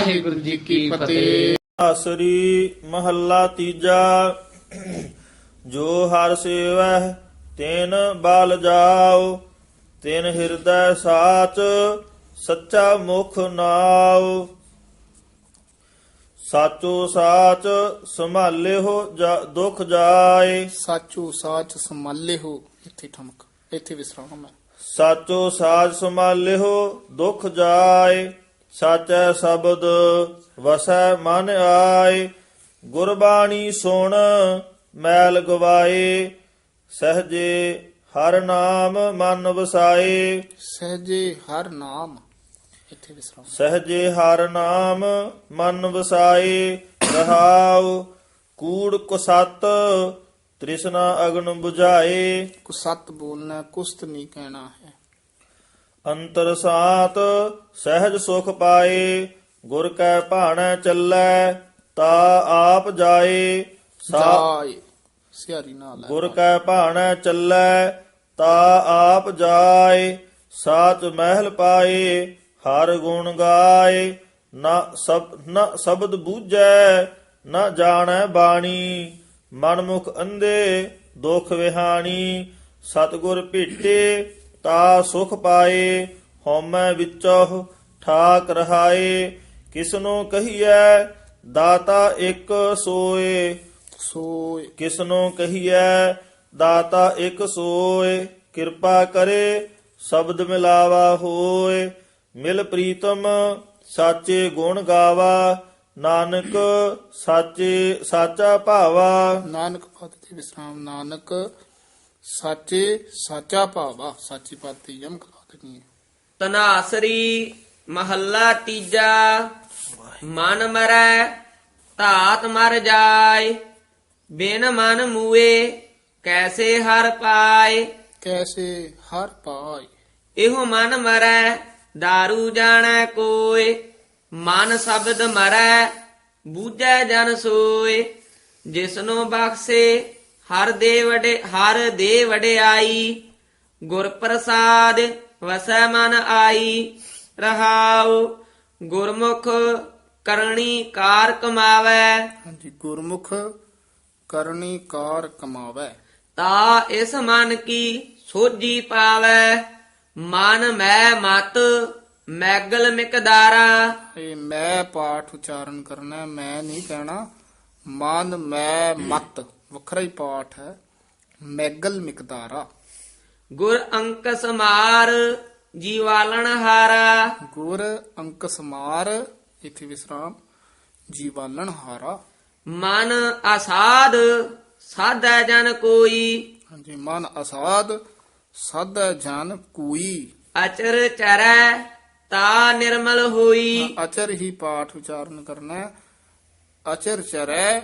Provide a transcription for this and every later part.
ਵਾਹਿਗੁਰੂ ਜੀ ਕੀ ਫਤਿਹ। ਆਸਰੀ ਮਹੱਲਾ ਤੀਜਾ। ਜੋ ਹਰ ਸੇਵਹਿ ਤੈਨ ਬਲ ਜਾਓ, ਤਿਨ ਹਿਰਦੈ ਸਾਚ ਸੱਚਾ ਮੁਖ ਨਾਉ। ਸਾਚੋ ਸਾਚ ਸੰਭਾਲਿਓ ਦੁਖ ਜਾਏ, ਸਾਚੋ ਸਾਚ ਸੰਭਾਲੇ ਹੋ, ਇੱਥੇ ਠਮਕ, ਇੱਥੇ ਵਿਸਰਾਮ ਹੈ। ਸਾਚੋ ਸਾਚ ਸੰਭਾਲਿਓ ਦੁਖ ਜਾਏ, ਸਾਚੈ ਸ਼ਬਦ ਵਸੈ ਮਨ ਆਏ। ਗੁਰਬਾਣੀ ਸੁਣ ਮੈਲ ਗਵਾਏ, ਸਹਜੇ ਹਰ ਨਾਮ ਮਨ ਵਸਾਏ। ਸਹਜੇ ਹਰ ਨਾਮ, ਇੱਥੇ ਵਿਸਰਾਮ। ਸਹਜੇ ਹਰ ਨਾਮ ਮਨ ਵਸਾਏ। ਰਹਾਉ ਕੂੜ ਕੁਸਤ ਤ੍ਰਿਸ਼ਨਾ ਅਗਨ 부ਝਾਏ। ਕੁਸਤ ਬੋਲਣਾ, ਕੁਸਤ ਨਹੀਂ ਕਹਿਣਾ ਹੈ। ਅੰਤਰ ਸਾਤ ਸਹਿਜ ਸੁਖ ਪਾਏ, ਗੁਰ ਕੈ ਭਾਣੈ ਚੱਲੈ ਤਾ ਆਪ ਜਾਏ। ਜਾਏ ਸਿਆਰੀ ਨਾਲ ਹੈ। ਗੁਰ ਕੈ ਭਾਣੈ ਚੱਲੈ ਤਾ ਆਪ ਜਾਏ। ਸਾਚ ਮਹਿਲ ਪਾਏ ਹਰ ਗੁਣ ਗਾਏ, ਨਾ ਸ਼ਬਦ ਬੂਝੈ ਨਾ ਜਾਣੈ ਬਾਣੀ। ਮਨਮੁਖ ਅੰਧੇ ਦੁਖ ਵਿਹਾਣੀ, ਸਤਿਗੁਰ ਭੇਟੇ ਤਾ ਸੁਖ ਪਾਏ। ਹਉਮੈ ਵਿੱਚੋਂ ਠਾਕ ਰਹਾਏ, ਕਿਸਨੂੰ ਕਹੀਐ ਦਾਤਾ ਇੱਕ ਸੋਏ। ਸੋਏ ਕਿਸਨੂੰ ਕਹੀਐ ਦਾਤਾ ਇੱਕ ਸੋਏ। ਕਿਰਪਾ ਕਰੇ ਸ਼ਬਦ ਮਿਲਾਵਾ ਹੋਏ, ਮਿਲ ਪ੍ਰੀਤਮ ਸਾਚੇ ਗੁਣ ਗਾਵਾ। ਨਾਨਕ ਸਾਚੇ ਸਾਚਾ ਭਾਵਾ। ਨਾਨਕ ਪਦ ਤੇ ਵਿਸਰਾਮ। ਨਾਨਕ ਸਾਚੇ ਸਾਚਾ ਭਾਵਾ, ਸਾਚੀ ਪਦ ਤੇ ਯਮਕ ਲਾ ਦੇਣੀ ਹੈ। ਤਨਾਸਰੀ ਮਹੱਲਾ ਤੀਜਾ। ਮਨ ਮਰੈ ਧਾਤ ਮਰ ਜਾਏ, ਬਿਨ ਮਨ ਮੂਏ ਕੈਸੇ ਹਰ ਪਾਏ। ਕੈਸੇ ਹਰ ਪਾਏ, ਇਹੋ ਮਨ ਮਰੈ ਦਾਰੂ ਜਾਣੈ ਕੋਇ। ਮਨ ਸ਼ਬਦ ਮਰੈ ਬੂਝੈ ਜਨ ਸੋਏ। ਜਿਸਨੂੰ ਬਖਸ਼ੇ ਹਰ ਦੇ ਵਡਿਆਈ, ਗੁਰ ਪ੍ਰਸਾਦ ਵਸੈ ਮਨ ਆਈ। ਰਹਾਉ ਗੁਰਮੁਖ ਕਰਨੀ ਕਾਰ ਕਮਾਵੈ, ਹਾਂਜੀ। ਗੁਰਮੁਖ ਕਰਨੀ ਕਾਰ ਕਮਾਵੈ, ਤਾ ਇਸ ਮਨ ਕੀ ਸੋਝੀ ਪਾਵੈ। ਮਨ ਮੈਂ ਮਤ ਮੈਗਲ ਮਿਕਦਾਰਾ। ਇਹ ਮੈਂ ਪਾਠ ਉਚਾਰਨ ਕਰਨਾ ਹੈ, ਮੈਂ ਨਹੀਂ ਕਹਿਣਾ। ਮਨ ਮੈਂ ਮਤ ਵੱਖਰਾ ਹੀ ਪਾਠ ਹੈ। ਮੈਗਲ ਮਿਕਦਾਰਾ। ਗੁਰ ਅੰਕ ਸਮਾਰ ਜੀਵਾਲਣ ਹਾਰਾ। ਗੁਰ ਅੰਕ ਸਮਾਰ, ਇੱਥੇ ਵਿਸਰਾਮ। ਜੀਵਾਲਣ ਹਾਰਾ। ਮਨ ਆਸਾਦ ਸਾਧੈ ਜਨ ਕੋਈ। ਹਾਂਜੀ। ਮਨ ਅਸਾਧ ਸਾਧੈ ਜਨ ਕੋਈ। ਅਚਰ ਚਰੈ ਤਾ ਨਿਰਮਲ ਹੋਈ। ਅਚਰ ਹੀ ਪਾਠ ਉਚਾਰਨ ਕਰਨਾ ਹੈ। ਅਚਰ ਚਰੈ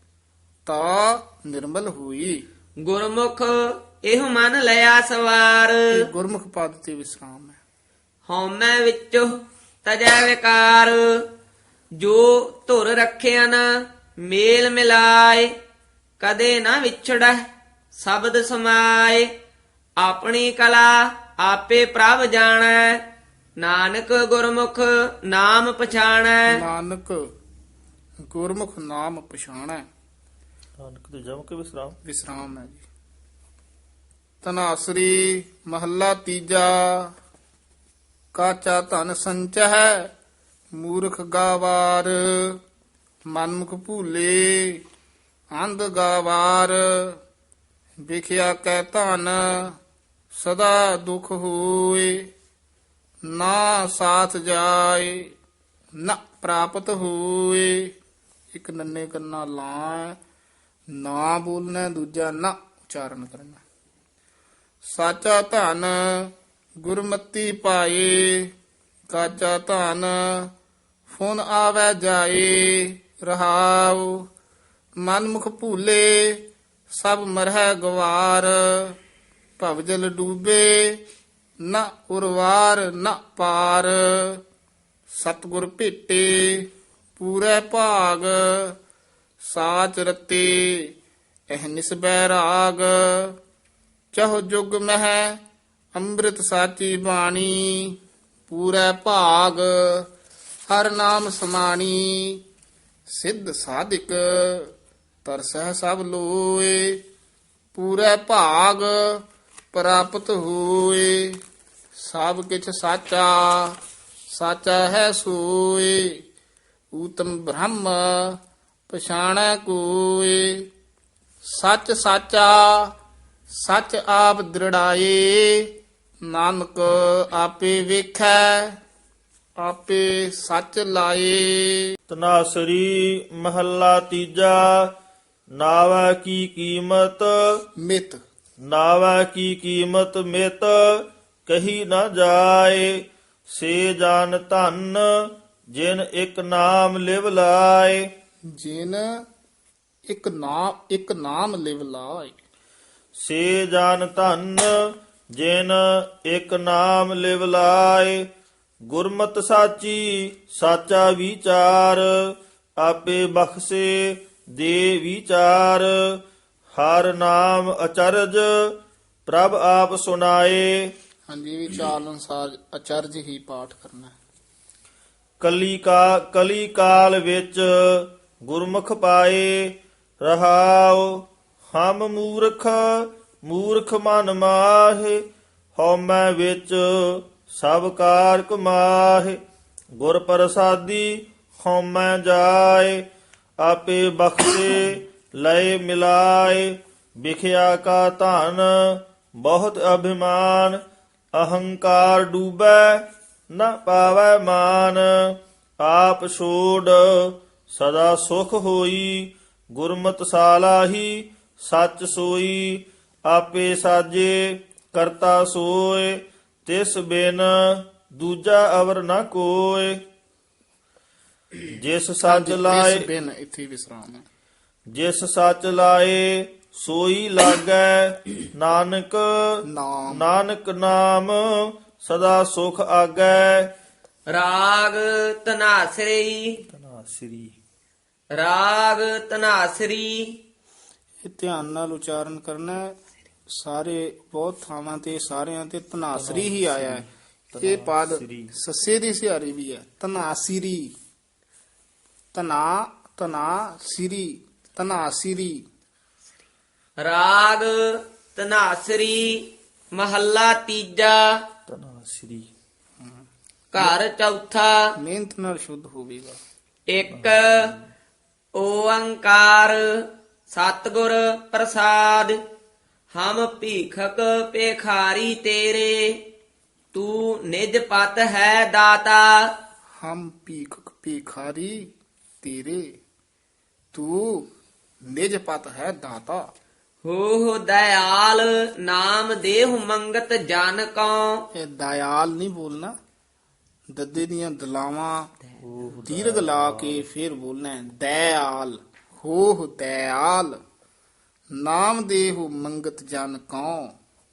ਤਾ ਨਿਰਮਲ ਹੋਈ। ਗੁਰਮੁਖ ਇਹ ਮਨ ਲਿਆ ਸਵਾਰ। ਇਹ ਗੁਰਮੁਖ ਪਦ ਤੇ ਵਿਸਰਾਮ ਹੈ। ਹਉਮੈ ਵਿੱਚੋ ਤਜੈ ਵਿਕਾਰ, ਜੋ ਧੁਰ ਰੱਖਿਆਨ ਮੇਲ ਮਿਲਾਏ। ਕਦੇ ਨਾ ਵਿਛੜੈ ਸ਼ਬਦ ਸਮਾਏ, ਆਪਣੀ ਕਲਾ ਆਪੇ ਪ੍ਰਭ ਜਾਣੈ। ਨਾਨਕ ਗੁਰਮੁਖ ਨਾਮ ਪਛਾਣੈ। ਨਾਨਕ ਗੁਰਮੁਖ ਨਾਮ ਪਛਾਣੈ। ਨਾਨਕ ਤੇ ਜਮ ਕੇ ਵਿਸਰਾਮ। ਵਿਸਰਾਮ ਹੈ ਜੀ। ਤਨਾਸਰੀ ਮਹੱਲਾ ਤੀਜਾ। ਕਾਚਾ ਧਨ ਸੰਚਹਿ ਮੂਰਖ ਗਾਵਾਰ, ਮਨਮੁਖ ਭੂਲੇ ਅੰਧ ਗਾਵਾਰ। ਵਿਖਿਆ ਕੈ ਧਨ ਸਦਾ ਦੁਖ ਹੋਏ, ਨਾ ਸਾਥ ਜਾਏ ਨਾ ਪ੍ਰਾਪਤ ਹੋਏ। ਇੱਕ ਨੰਨੇ ਕੰਨਾ ਲਾ, ਨਾ ਬੋਲਣਾ, ਦੂਜਾ ਨਾ ਉਚਾਰਨ ਕਰਨਾ। ਸਾਚਾ ਧਨ ਗੁਰਮਤੀ ਪਾਏ, ਕਾਚਾ ਧਨ ਫੁਨ ਆਵੈ ਜਾਏ। ਰਹਾਉ ਮਨਮੁਖ ਭੂਲੇ ਸਭ ਮਰਹਿ ਗਵਾਰ, ਭਵਜਲ ਡੂਬੇ ਨਾ ਉਰਵਾਰ ਨਾ ਪਾਰ। ਸਤਿਗੁਰ ਭੇਟੇ ਪੂਰੇ ਭਾਗ, ਸਾਚ ਰਤੇ ਅਹਨਿਸ ਬੈਰਾਗ। ਚਹੁ ਜੁਗ ਮਹਿ ਅੰਮ੍ਰਿਤ ਸਾਚੀ ਬਾਣੀ, ਪੂਰੇ ਭਾਗ ਹਰ ਨਾਮ ਸਮਾਣੀ ਸਿੱਧ ਸਾਧਿਕ ਤਰਸਹਿ ਸਭ ਲੋਏ ਪੂਰੇ ਭਾਗ ਪ੍ਰਾਪਤ ਹੋਏ ਸਭ ਕਿਛ ਸਾਚਾ ਸਾਚਾ ਹੈ ਸੋਏ ਊਤਮ ਬ੍ਰਹਮ ਪਛਾਣੈ ਕੋਏ ਸੱਚ ਸਾਚਾ ਸੱਚ ਆਪ ਦ੍ਰਿੜਾਏ ਨਾਨਕ ਆਪੇ ਵੇਖੈ ਆਪੇ ਸੱਚ ਲਾਏ। ਤਨਾਸਰੀ ਮਹੱਲਾ ਤੀਜਾ। ਨਾਵਾ ਕੀ ਕੀਮਤ ਮਿਤ ਨਾਵਾ ਕੀ ਕੀਮਤ ਮਿਤ ਕਹੀ ਨਾ ਜਾਏ। ਸੇ ਜਾਨ ਧਨ ਜਿਨ ਇੱਕ ਨਾਮ ਲਿਵ ਲਾਏ। ਜਿਨ ਇੱਕ ਨਾਮ ਲਿਵ ਲਾਏ। ਸੇ ਜਾਨ ਧਨ ਜਿਨ ਇੱਕ ਨਾਮ ਲਿਵ ਲਾਏ। ਗੁਰਮਤਿ ਸਾਚੀ ਸਾਚਾ ਵਿਚਾਰ ਆਪੇ ਬਖਸ਼ੇ ਦੇ ਵਿਚਾਰ। ਹਰ ਨਾਮ ਅਚਰਜ ਪ੍ਰਭ ਆਪ ਸੁਨਾਏ। ਹਾਂਜੀ ਵਿਚਾਰ ਅਨੁਸਾਰ ਅਚਰਜ ਹੀ ਪਾਠ ਕਰਨਾ ਹੈ। ਕਲੀ ਕਾਲ ਵਿੱਚ ਗੁਰਮੁਖ ਪਾਏ ਰਹਾਉ। ਹਮ ਮੂਰਖ ਮਨ ਮਾਹੇ ਹਉਮੈ ਵਿੱਚ ਸਭ ਕਾਰ ਕਮਾਹੇ। ਗੁਰ ਪ੍ਰਸਾਦੀ ਹਉਮੈ ਜਾਏ ਆਪੇ ਬਖਸ਼ੇ ਲਏ ਮਿਲਾਏ। ਵਿਖਿਆ ਕਾ ਧਨ ਬਹੁਤ ਅਭਿਮਾਨ ਅਹੰਕਾਰ ਡੂਬੈ ਨਾ ਪਾਵੈ ਮਾਨ। ਆਪ ਛੋੜ ਸਦਾ ਸੁਖ ਹੋਈ ਗੁਰਮਤਿ ਸਾਲਾਹੀ ਸੱਚ ਸੋਈ। ਆਪੇ ਸਾਜੇ ਕਰਤਾ ਸੋਏ ਤਿਸ ਬਿਨ ਦੂਜਾ ਅਵਰ ਨਾ ਕੋਏ। ਜਿਸ ਸੱਚ ਲਾਏ ਇਸ ਬਿਨ ਇੱਥੇ ਵਿਸਰਾਮ ਹੈ। ਜਿਸ ਸੱਚ ਲਾਏ ਸੋਈ ਲਾਗੈ ਨਾਨਕ ਨਾਮ ਨਾਨਕ ਨਾਮ ਸਦਾ ਸੁਖ ਆਗੈ। ਰਾਗ ਧਨਾਸਰੀ ਧਨਾਸਰੀ ਰਾਗ ਧਨਾਸਰੀ। ਇਹ ਧਿਆਨ ਨਾਲ ਉਚਾਰਨ ਕਰਨਾ ਹੈ। ਸਾਰੇ ਬਹੁਤ ਥਾਵਾਂ ਤੇ ਸਾਰਿਆਂ ਤੇ ਧਨਾਸਰੀ ਹੀ ਆਇਆ ਹੈ। ਇਹ ਪਦ ਧਨਾਸਰੀ। ਸੱਸੇ ਦੀ ਸਿਹਾਰੀ ਵੀ ਹੈ। ਧਨਾਸਿਰੀ ਧਨਾਸਿਰੀ ਧਨਾਸਿਰੀ। ਰਾਗ ਧਨਾਸਰੀ ਮਹੱਲਾ ਤੀਜਾ। ਧਨਾਸਰੀ ਘਰ ਚੌਥਾ। ਮਿਹਨਤ ਨਾਲ ਸ਼ੁੱਧ ਹੋਵੇਗਾ। ਇੱਕ ਓੰਕਾਰ ਸਤਿਗੁਰ ਪ੍ਰਸਾਦ। ਹਮ ਭੀਖਕ ਭੇਖਾਰੀ ਤੇਰੇ ਤੂੰ ਨਿਜ ਪਤ ਹੈ ਦਾਤਾ। ਹਮ ਭੀਖਾਰੀ ਤੇਰੇ ਤੂੰ ਨਿਜ ਪਤ ਹੈ ਦਾਤਾ। ਹੋ ਦਇਆਲ ਨਾਮ ਦੇਹੁ ਮੰਗਤ ਜਨ ਕਉ। ਇਹ ਦਇਆਲ ਨਹੀਂ ਬੋਲਣਾ। ਦੱਦੇ ਦੀਆਂ ਦਲਾਵਾਂ ਦੀਰਘ ਲਾ ਕੇ ਫਿਰ ਬੋਲਣਾ ਹੈ। ਦਇਆਲ ਹੋ ਦਇਆਲ ਨਾਮ ਦੇਹੁ ਮੰਗਤ ਜਨ ਕਉ।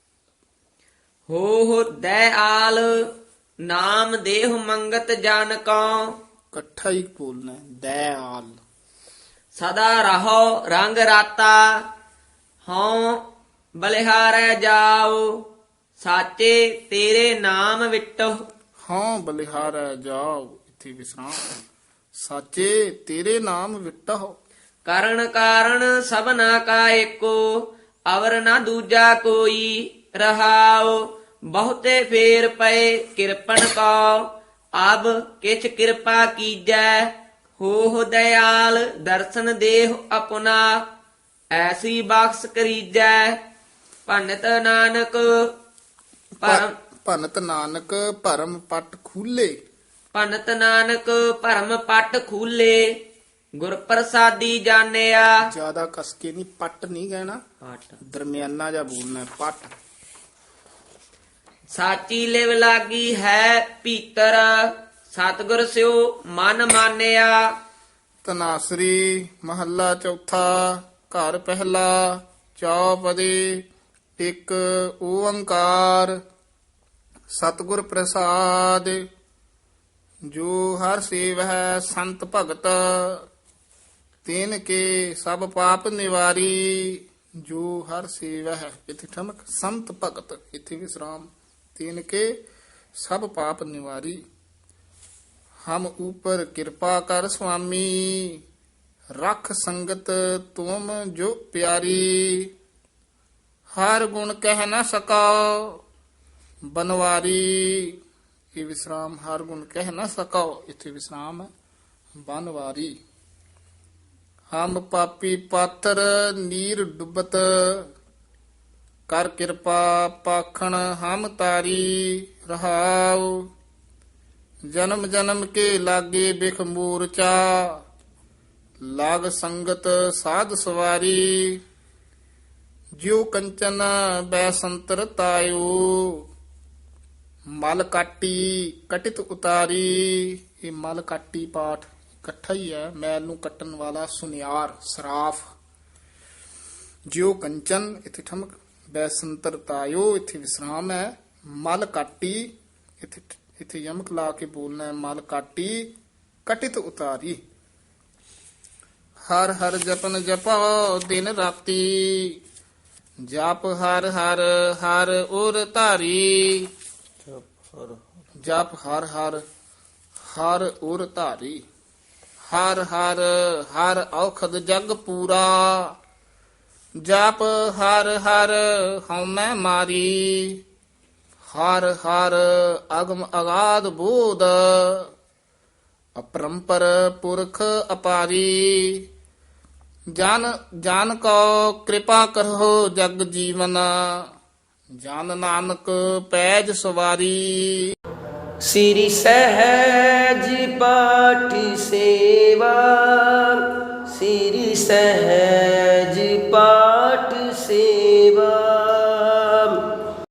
ਹੋ ਦਇਆਲ ਨਾਮ ਦੇਹੁ ਮੰਗਤ ਜਨ ਕਉ। ਇਕੱਠਾ ਹੀ ਬੋਲਣਾ ਹੈ। ਦਇਆਲ ਸਦਾ ਰਹੋ ਰੰਗ ਰਾਤਾ ਹਉ ਬਲਿਹਾਰੈ ਜਾਓ। ਸਾਚੇ ਤੇਰੇ ਨਾਮ ਵਿਟੋ। ਹਾਂ ਬਲਿਹਾਰੈ ਜਾਓ। ਇੱਥੇ ਵਿਸਰਾਮ। ਸਾਚੇ ਤੇਰੇ ਨਾਮ ਵਿਟਹੁ। ਕਰਨ ਕਾਰਨ ਸਭਨਾ ਕਾ ਏਕੋ ਅਵਰ ਨਾ ਦੂਜਾ ਕੋਈ। ਰਹਾਉ ਬਹੁਤੇ ਫੇਰ ਪਏ ਕਿਰਪਨ ਕੋ ਅਬ ਕਿਛ ਕਿਰਪਾ ਕੀਜੈ। ਹੋ ਦਇਆਲ ਦਰਸ਼ਨ ਦੇਹੁ ਆਪਣਾ ਐਸੀ ਬਖਸ਼ ਕਰੀਜੈ। ਭੰਨਤ ਨਾਨਕ ਪਰਮ ਭਨਤ ਨਾਨਕ ਭਰਮ ਪਟ ਖੂਲੇ। ਭੰਨਤ ਨਾਨਕ ਭਰਮ ਪਟ ਖੂਲੇ। ਗੁਰ ਪ੍ਰਸਾਦੀ ਜਾਣਿਆ। ਜਿਆਦਾ ਕਸਕੇ ਨਹੀਂ ਪਟ ਨਹੀਂ ਕਹਿਣਾ। ਦਰਮਿਆਨਾ ਜਿਹਾ ਬੋਲਣਾ ਹੈ। ਪਟ ਸਾਚੀ ਲਿਵ ਲਾਗੀ ਹੈ ਭੀਤਰ ਸਤਿਗੁਰ ਸਿਓ ਮਨ ਮਾਨਿਆ। ਤਨਾਸਰੀ ਮਹੱਲਾ ਚੌਥਾ। ਘਰ ਪਹਿਲਾ ਚੌਪਦੀ। ਇੱਕ ਓੰਕਾਰ ਸਤਿਗੁਰ ਪ੍ਰਸਾਦ। ਜੋ ਹਰ ਸੇਵਹਿ ਸੰਤ ਭਗਤ ਤਿਨ ਕੇ ਸਭ ਪਾਪ ਨਿਵਾਰੀ। ਜੋ ਹਰ ਸੇਵਹਿ ਇੱਥੇ ਠਮਕ ਸੰਤ ਭਗਤ ਇੱਥੇ ਵਿਸਰਾਮ। ਤਿਨ ਕੇ ਸਭ ਪਾਪ ਨਿਵਾਰੀ। ਹਮ ਉਪਰ ਕਿਰਪਾ ਕਰ ਸੁਆਮੀ, ਰਖ ਸੰਗਤ ਤੁਮ ਜੋ ਪਿਆਰੀ। ਹਰ ਗੁਣ ਕਹਿ ਨਾ ਸਕੋ ਬਨਵਾਰੀ, ਇਹ ਵਿਸਰਾਮ, ਹਰ ਗੁਣ ਕਹਿ ਨਾ ਸਕੋ, ਇੱਥੇ ਵਿਸਰਾਮ ਹੈ, ਬਨਵਾਰੀ। ਹਮ ਪਾਪੀ ਪਾਤਰ ਨੀਰ ਡੁੱਬਤ, ਕਰ ਕਿਰਪਾ ਪਾਖਣ ਹਮ ਤਾਰੀ। ਰਹਾਉ ਜਨਮ ਜਨਮ ਕੇ ਲਾਗੇ ਬਿਖ ਮੂਰਚਾ, ਲਾਗ ਸੰਗਤ ਸਾਧ ਸਵਾਰੀ। ਜਿਉ ਕੰਚਨ ਬੈਸੰਤਰ ਤਾਇਓ, ਮਲ ਕਾਟੀ ਕਟਿਤ ਉਤਾਰੀ। ਇਹ ਮਲ ਕਾਟੀ ਪਾਠ ਇਕੱਠਾ ਹੀ ਹੈ, ਮੈਲ ਨੂੰ ਕੱਟਣ ਵਾਲਾ ਸੁਨਿਆਰ ਸਰਾਫ। ਜਿਉ ਕੰਚਨ ਇੱਥੇ ਠਮਕ, ਬੈਸੰਤਰ ਤਾਇਓ ਇੱਥੇ ਵਿਸਰਾਮ ਹੈ। ਮਲ ਕਾਟੀ ਇੱਥੇ ਯਮਕ ਲਾ ਕੇ ਬੋਲਣਾ ਹੈ, ਮਲ ਕਾਟੀ ਕਟਿਤ ਉਤਾਰੀ। ਹਰ ਹਰ ਜਪਨ ਜਪੋ ਦਿਨ ਰਾਤੀ, ਜਪ ਹਰ ਹਰ ਹਰ ਉਰ ਧਾਰੀ। ਜਪ ਹਰ ਹਰ ਹਰ ਉਰ ਧਾਰੀ। ਹਰ ਹਰ ਹਰ ਔਖਦ ਜਗ ਪੂਰਾ, ਜਪ ਹਰ ਹਰ ਹਉਮੈ ਮਾਰੀ। ਹਰ ਹਰ ਅਗਮ ਅਗਾਧ ਬੋਧ, ਅਪਰੰਪਰ ਪੁਰਖ ਅਪਾਰੀ। ਜਨ ਜਨ ਕੋ ਕਿਰਪਾ ਕਰੋ ਜਗ ਜੀਵਨ, ਜਨ ਨਾਨਕ ਪੈਜ ਸਵਾਰੀ। ਸ੍ਰੀ ਸਹਿਜ ਪਾਠ ਸੇਵਾ, ਸ੍ਰੀ ਸਹਿਜ ਪਾਠ ਸੇਵਾ।